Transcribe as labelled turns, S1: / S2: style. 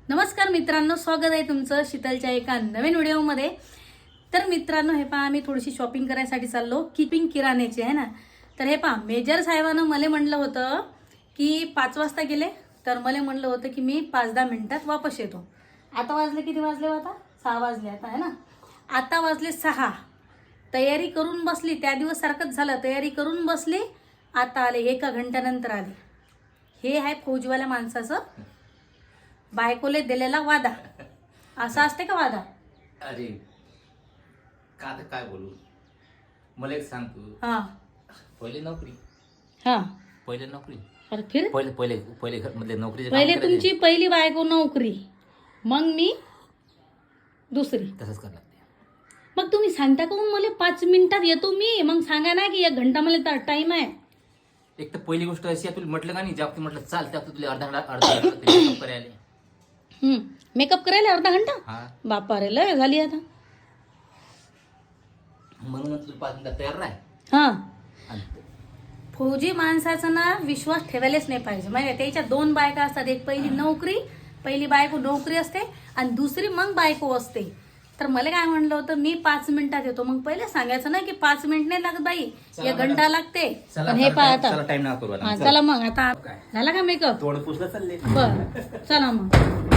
S1: नमस्कार मित्रांनो, स्वागत आहे तुमचं शीतलच्या एका नवीन व्हिडिओमध्ये। तर मित्रांनो, हे पहा आम्ही थोडीशी शॉपिंग करायसाठी चाललो, कीपिंग किराण्याची आहे ना। तर हे पहा, मेजर साहेबांना मला म्हणलं होतं की 5 वाजता गेले, तर मला म्हणलं होतं की मी 5-10 मिनिटात वापस येतो। आता वाजले किती वाजले? आता 6 वाजले आता आहे ना। आता वाजले 6। तयारी करून बसली, त्या दिवस सारखंच झालं, तयारी करून बसली, आता आले, 1 घंट्यानंतर आले। हे आहे फौजवाल्या माणसाचं बायकोले दिलेला वादा। असा असते का वादा?
S2: अरे का आता काय बोलू, मला एक सांग तू।
S1: हाँ
S2: पहिले नोकरी,
S1: हाँ
S2: पहिले नोकरी,
S1: और फिर
S2: पहिले पहिले पहिले घर मधले नोकरी
S1: पहिले तुमची पहिली बायको नोकरी, मग मी दुसरी।
S2: तसंच करावं लागते।
S1: मग तुम्ही सांगता का मग मला 5 मिनिटात येतो मी, मग सांगा ना की 1 घंटा मला टाइम आहे।
S2: एक तर पहिली गोष्ट अशी आहे, तुला म्हटलं का नाही, जेव्हा तू म्हटलं चाल तेव्हा तुला अर्धा मेकअप करायला।
S1: मेकअप करायला अर्धा घंटा?
S2: हा,
S1: बापा रे, लय झाली आता।
S2: म्हणून तुला 5 मिनिटात तयार राह।
S1: हा,
S2: आणि
S1: फौजी माणसाचा ना विश्वास ठेवायलाच नाही पाहिजे। म्हणजे त्याच्या 2 बायका असतात, एक पहिली नोकरी, पहिली बायको नोकरी असते आणि दुसरी मग बायको असते। तर मला काय म्हणलं होतं, मी 5 मिनिटात येतो, मग पहिले सांगायचं ना की 5 मिनिट नाही लागत बाई, 1 घंटा लागते। पण हे पहा आता,
S2: टाइम ना करू
S1: हा चला मग, आता झाला का मेकअप?
S2: थोडं पुसलं चालले।
S1: बर चला मग।